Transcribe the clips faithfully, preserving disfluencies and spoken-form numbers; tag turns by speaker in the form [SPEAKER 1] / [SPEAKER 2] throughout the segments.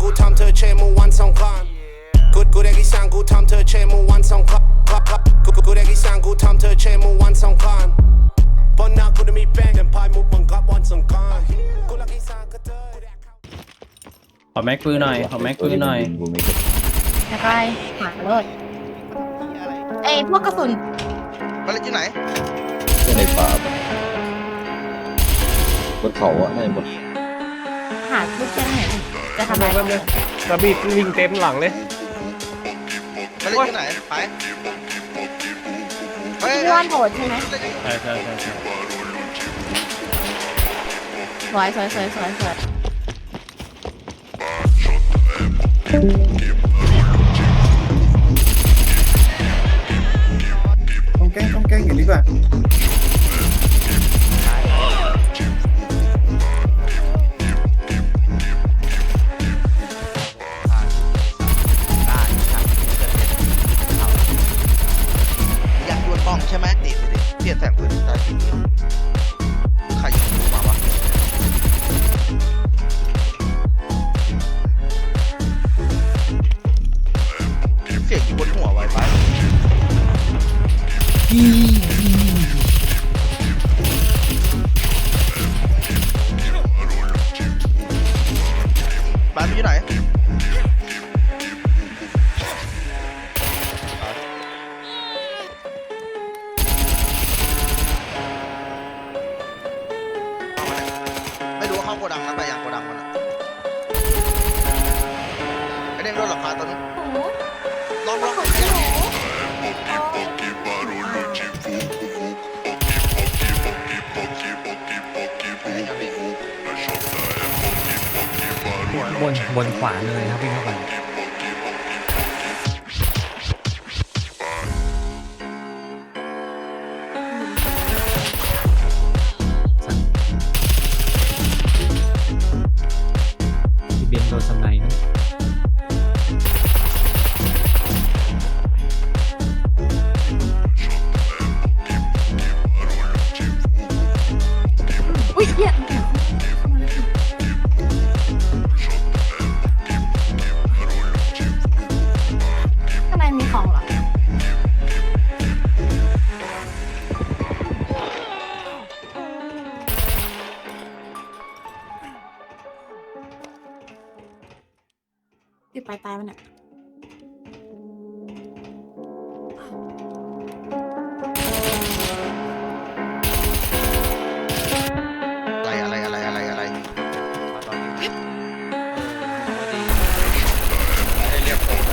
[SPEAKER 1] กูทำเธอเชมูวันสองครั้งกูกูได้กี่สั่งกูทำเธอเชมูวันสองครั้งกูกูได้กี่สั่งกูทำเธอเชมูวันสองครั้งบนหน้ากูจะมีแป้งแต่พายมุกบังคับวันสงกรานต์กูรักกี่สั่งก็เธอ
[SPEAKER 2] ขอแม็กปืนหน่อยขอแม็กปืนหน่อย
[SPEAKER 3] อะไรหาเลยเอ้พวกกระสุน
[SPEAKER 4] มาเล่นที่ไหน
[SPEAKER 5] ในป่าบนเขาอ่ะน่าจะบน
[SPEAKER 3] หาลูกแก้วไหนจะทำอะไรกัน
[SPEAKER 2] กระบี่วิ่งเต็มหลังเลย
[SPEAKER 4] มาเล่นที่ไหนไป
[SPEAKER 3] พี่ว่านโหดใช่ไหม
[SPEAKER 2] ใช่ใช่ใช่ใช่
[SPEAKER 3] สวยสวยสวยสวยสวย
[SPEAKER 6] ต้องแกล้งต้องแกล้งอย่างนี้ป่ะ
[SPEAKER 4] อยากดวลบ้องใช่ไหมดิดิเปลี่ยนแสงปืนตาทีใครยิงมาวะเสียงอยู่บนหัวไวไปบ้านอยู่ไหนไม่รู้ว่าเข้าโกดังแล้วไปยังโกดังมันไอเด้งโดนหลังคาตัวนี้ลองลอง
[SPEAKER 7] บนบนขวาเลยครับวิ่งเข้าไปที่เบนโดนสไนด์นะ
[SPEAKER 3] อุ้ยเหี้ยมีของเหรอติดปลายตายมันเนี่ย
[SPEAKER 4] อะไรอะไรอะไรอะไรอะไรเรียกผม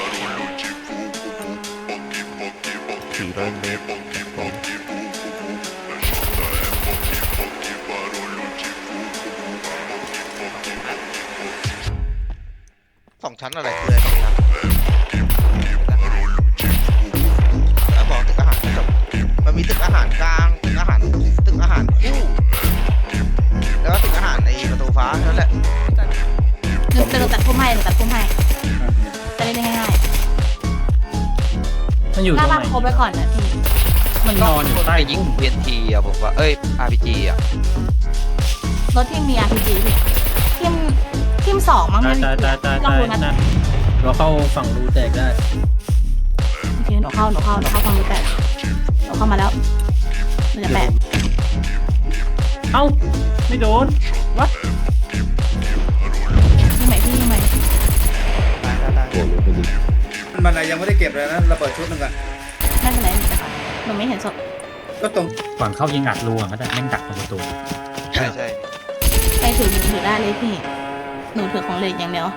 [SPEAKER 4] สี่ร้อยเมตรผมสองชั้นอะไรคืออะไรสองชั้นแล้วบอกตึกอาหารจบมันมีตึกอาหารกลางตึกอาหารตึกอาหารคู่แล้วก็ตึกอาหารในประตูฟ้านั่นแหละ
[SPEAKER 3] หนึ่งตัดพุ่มให้หนึ่งตัดพุ่มให้จะได้ง่าย
[SPEAKER 2] มันอยู่ตรงไหน
[SPEAKER 3] หน้าบ้านโคไปก่อนนะพี่
[SPEAKER 2] มันนอนอยู่ใต้
[SPEAKER 4] ยิง พี เอ็น ที อ่ะผมว่าเอ้ย อาร์ พี จี อ่ะ
[SPEAKER 3] รถที่มี อาร์ พี จี พี่ทีมทีมสองมั้งไม่มีลองดูนะ
[SPEAKER 2] เราเข้าฝั่งรูแตกได้
[SPEAKER 3] โอเคหนูเข้าหนูเข้าหนูเข้าฝั่งรูแตกหนูเข้ามาแล้วหนูจะแปะ
[SPEAKER 2] เอ้าไม่โดนวัด
[SPEAKER 3] ยังไงพี่ยังไง
[SPEAKER 6] มันยังไม่ได้เก็บเลยนะระเบิดชุดนึงอ่ะ
[SPEAKER 3] ไม่เป็นไรหนูไปก่อนหนูไม่เห็นศพ
[SPEAKER 6] ก็ตรง
[SPEAKER 7] ก่อนเข้ายิงอัดรูอ่ะก็จะแม่งดักตรงประตู
[SPEAKER 4] ใช่ใช่
[SPEAKER 3] ไปถือหนูถือได้เลยพี่หนูถือของเล็กอย่างเดียว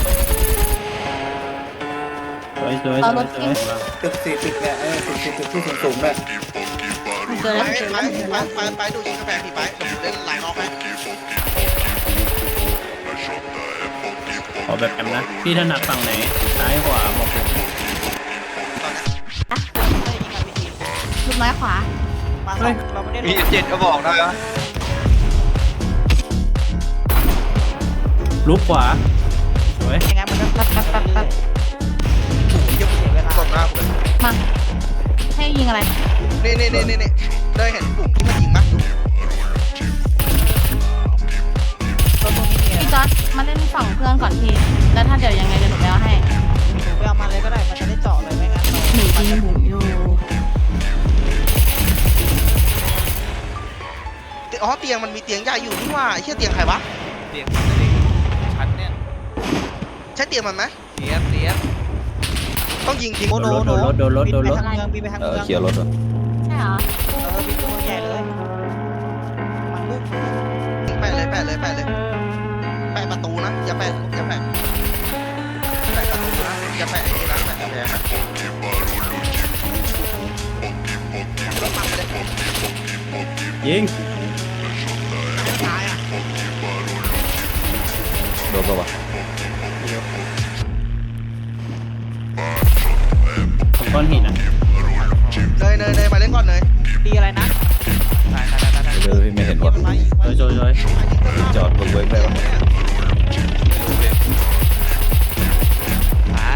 [SPEAKER 2] สวยสวยสวยสวย
[SPEAKER 6] ตึกสี่ตึกเนี่ยเออตึกสี่ตึกที่สูงสูงเลย
[SPEAKER 3] เจอแล้ว
[SPEAKER 4] ไปไปไปไปดูชิงกาแฟพี่ไปเล่นหลายรอบไหม
[SPEAKER 2] ขอแบบแอมนะพี่ถนัดฝั่งไหนซ้ายขวาบอกผม
[SPEAKER 3] ลูกไม้ขวา
[SPEAKER 4] มีเจ็ดก็บอกได้ไหม
[SPEAKER 2] ลุกขวาสวย
[SPEAKER 3] ยังไงมันก็ปั๊บปั๊บปั๊บปั๊บ
[SPEAKER 4] โอ้ยยังเสียเวลากดหน้าผม
[SPEAKER 3] มาให้ยิงอะไร
[SPEAKER 4] นี่นี่นี่นี่ได้เห็นปุ่มที่มันยิงมั้ย
[SPEAKER 3] พี่จอร์จมาเล่นฝั่งเพื่อนก่อนพี่แล้วถ้าเดี๋ยวยังไงเดี๋ยวหนูไปเอาให้
[SPEAKER 8] หนูไปเอามาเลยก็ได้มันจะได้เจาะเลยไม่งั้นเรา
[SPEAKER 3] หนูยิงบุ๋มอยู่
[SPEAKER 4] อ๋อเตียงมันมีเตียงใหญ่อยู่นี่ว่าไอ้เชี่ยเตียงใครวะ
[SPEAKER 8] เตียงมันจะได้ชั้นเนี่ย
[SPEAKER 4] ใช่เตียงมันไหม
[SPEAKER 8] เตียงเตียง
[SPEAKER 4] ต้องยิงทิ้ง
[SPEAKER 8] โอ้โห
[SPEAKER 2] โดนรถโดนรถโดนรถ
[SPEAKER 8] บินไปทางเมืองบินไปทาง
[SPEAKER 5] เอ
[SPEAKER 8] เมื
[SPEAKER 5] อ
[SPEAKER 8] อง
[SPEAKER 5] เคลียร์รถอ่ะ
[SPEAKER 3] ใช่เหรอ
[SPEAKER 8] เออบินตัวใหญ่เลยมันมุ่ง
[SPEAKER 4] แปะเลยแปะเลยแปะเลยแปะประตูนะอย่าแปะอย่าแปะแปะประตูนะอย่าแปะไอ้นี่นะแปะกำแพงนะรถมันไปเลย
[SPEAKER 2] ยิง
[SPEAKER 4] ตายอ่ะ
[SPEAKER 5] โดนปะวะ
[SPEAKER 2] ผมก้อนหินอ่ะ
[SPEAKER 4] เนยเนยเนยมาเล่นก่อนเนย
[SPEAKER 8] ตีอะไรนะตายตายตายตาย
[SPEAKER 5] เดี๋ยวพี่ไม่เห็นวะ
[SPEAKER 8] มันมาอีก
[SPEAKER 2] โจยโจยโจย
[SPEAKER 5] จอดบนเวิร์กได้ปะ
[SPEAKER 8] ตาย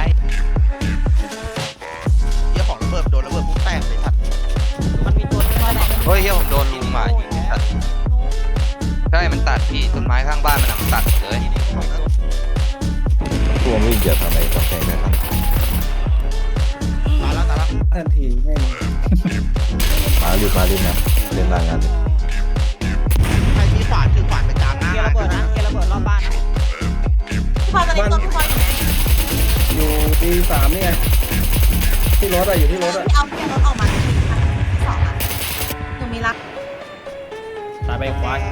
[SPEAKER 4] เหี้ยของระเบิดโดนระเบิดปุ๊บแตกเลยสัตว์
[SPEAKER 8] มันมีตัวนึงว่าไหน
[SPEAKER 9] เฮ้ยเฮียผมโดนลุมมายิงตัดใช่มันตัดพี่ต้นไม้ข้างบ้านมันอะมันตัดเลย
[SPEAKER 5] ตัววิ่งเดี๋ยวทำไมกำแพงได้ครับ
[SPEAKER 4] ตายแล้วตายแล้ว
[SPEAKER 6] ทันทีแม่ง
[SPEAKER 5] มารีบมารีบนะเล่นรายงานเลย
[SPEAKER 4] ใครมีขวานถือขวานไปตามหน้า
[SPEAKER 8] เกียร์ระเบิดนะเกียร์ระเบิดรอบบ้านนะ
[SPEAKER 3] พี่พลอยตอนนี้ตัวพี่พลอยอยู่ไหน
[SPEAKER 6] อยู่ดีสามนี่ไงที่รถอะอยู่ที่รถอะ
[SPEAKER 3] พี่เอาพี่รถออกมาที่สองอะหนูมีรัก
[SPEAKER 2] ตายไปควาย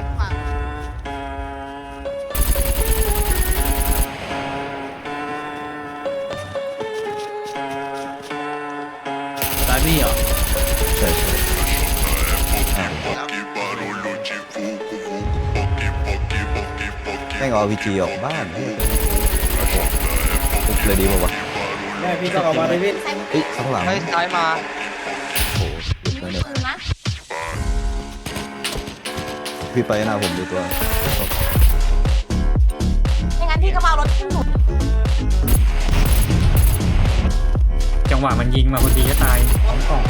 [SPEAKER 2] ตายพี่เหรอ
[SPEAKER 5] ใช่ใช่แม่งเอาวีจีออกบ้านเฮ้ยโอ้โหปุ๊บเลยดีป่าวะ
[SPEAKER 6] แม่พี่ต้องเอามาเลยพี่
[SPEAKER 3] ใส่
[SPEAKER 5] เอ้ยข้างหลัง
[SPEAKER 9] เฮ้ยซ้ายมา
[SPEAKER 5] โอ้โห
[SPEAKER 3] มี
[SPEAKER 5] แล้ว
[SPEAKER 3] ปื
[SPEAKER 5] เนี่ย
[SPEAKER 3] นนะ
[SPEAKER 5] พี่ไปหน้าผมดูตัว
[SPEAKER 3] ไม่งั้นพี่ก็มาเอารถขึ้นหนู
[SPEAKER 7] จังหวะมันยิงมาพอดีก็ตายพร้อมกล่อง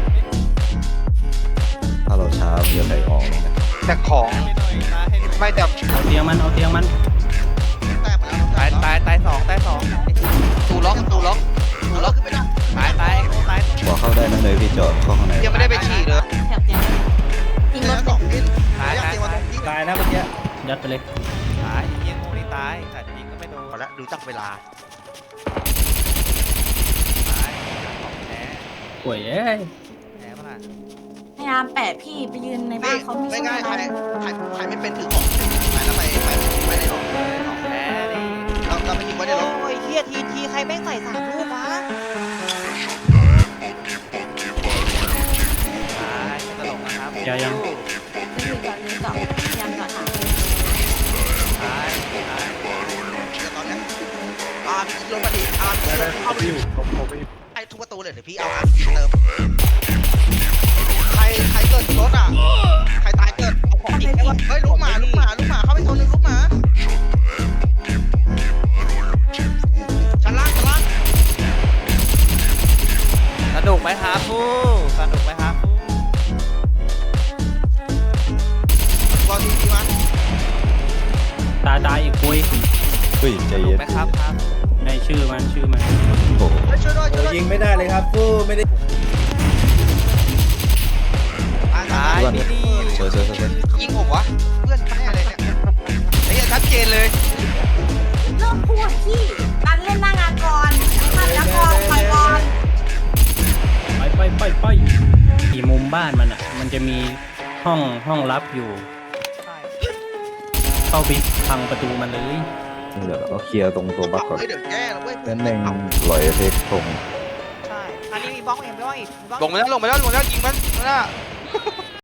[SPEAKER 5] ถ้าเราช้ามันจะไหลออกเลยนะ
[SPEAKER 9] แต่ของไม่แต่
[SPEAKER 2] เอาเตียงมันเอาเตียงมัน
[SPEAKER 4] แตกหมดแล้ว
[SPEAKER 8] ตายตายตายสองตายสอง
[SPEAKER 9] ตูล็อกตูล็อกตูล็อก
[SPEAKER 4] ขึ้นไม่ได้
[SPEAKER 8] ตายตายตาย
[SPEAKER 5] บอกเข้าได้นั่นเลยพี่จอดเข้าข้างใน
[SPEAKER 9] ยังไม่ได้ไปฉี่เลย
[SPEAKER 3] แถบเตียงยิง
[SPEAKER 4] เตี
[SPEAKER 3] ร
[SPEAKER 4] ย
[SPEAKER 3] ถ
[SPEAKER 4] ง
[SPEAKER 3] เส
[SPEAKER 4] ส
[SPEAKER 3] ร็
[SPEAKER 4] อ
[SPEAKER 3] จ
[SPEAKER 4] งดิ้น
[SPEAKER 8] ตาย
[SPEAKER 4] อยาก
[SPEAKER 8] ตาย
[SPEAKER 4] เตียงมาตรงนี้
[SPEAKER 6] ตายนะเมื่อกี้
[SPEAKER 2] ยัดไปเลย
[SPEAKER 8] ตายยิงงูนี่ตายแต่ยิงก็ไม่โดน
[SPEAKER 4] พอแล้วดูจักเวลา
[SPEAKER 8] ตายแผล
[SPEAKER 2] ป่วยเอ้ย
[SPEAKER 8] แผลมันอ่ะ
[SPEAKER 3] พยายามแปะพี่ไปยืนในบ้านเขาไม่
[SPEAKER 4] ไม่
[SPEAKER 3] ช่วย
[SPEAKER 4] ง่ายใคร
[SPEAKER 3] เรา
[SPEAKER 4] ใครใครไม่เป็นถือของไปแล้วไปไปไปในรถ
[SPEAKER 8] ของแผลดิ
[SPEAKER 4] เราเราไปยิงไว้ในรถ
[SPEAKER 8] โอ้ยเฮียทีทีใครแม่งใส่สามลูกวะตายไม่ตลกนะครับ
[SPEAKER 2] ยายัง
[SPEAKER 3] จะอยู่จอดอยู่จอดพยายามจอดหา
[SPEAKER 8] ตายตาย
[SPEAKER 4] เดี๋ยวตอนเนี้ยอาร์มลงมาดีอาร์มเข้าไปอยู่ไอ้ทุกประตูเลยเดี๋ยวพี่เอาอาร์มเติมใครใครเกิดรถอ่ะใครตายเกิดเอาของอีกได้ปะเฮ้ยลูกหมาลูกหมาลูกหมาเข้าไปตัวหนึงลูกหมาชั้นล่างชั้นล่าง
[SPEAKER 8] สนุกไหมครับผู้สนุกไหมครับผู้
[SPEAKER 4] รอทีทีมา
[SPEAKER 2] ตายตายอีกคุย
[SPEAKER 5] เฮ้ยใจ
[SPEAKER 8] สนุ
[SPEAKER 5] เย็
[SPEAKER 8] ก
[SPEAKER 5] น
[SPEAKER 8] ไหมครับครับ
[SPEAKER 2] ในชื่อมันชื่อมัน
[SPEAKER 5] โอ้โห
[SPEAKER 4] เฮ้ยช่วยด้วยช่วยด้วย
[SPEAKER 6] ยิงไม่ได้เลยครับฟูไม่ได้
[SPEAKER 4] ตายตาย
[SPEAKER 8] ตายพี่ดี
[SPEAKER 5] สวยสวยสวยสวย
[SPEAKER 9] ยิงผมวะ
[SPEAKER 4] เพื่อนแม่เลยเนี่ย
[SPEAKER 9] ไอ้เหี้ยชัดเจนเลย
[SPEAKER 3] เริ่มพูดพี่ตันเล่นหน้างานก่อนทำแล้วก่อนไปก่อน
[SPEAKER 2] ไปไปไปไปที่มุมบ้านมันอ่ะ มันจะมีห้องห้องลับอยู่
[SPEAKER 8] ใช่
[SPEAKER 2] เข้าไปพังประตูมันเลย
[SPEAKER 5] เดี๋ยวเราเคลียร์ตรงตัวบัคก่อน
[SPEAKER 4] เฮ้ยเดี๋ยวแย่แล้วเว้ย
[SPEAKER 5] นั่นเองลอยเทคตรง
[SPEAKER 8] ใช่อันนี้มีบล็อกเองไม่ว่าอีกมีบล็อก
[SPEAKER 9] ลงไปแล้วลงไปแล้วลงไปแล้วยิงมันนั่นน่ะ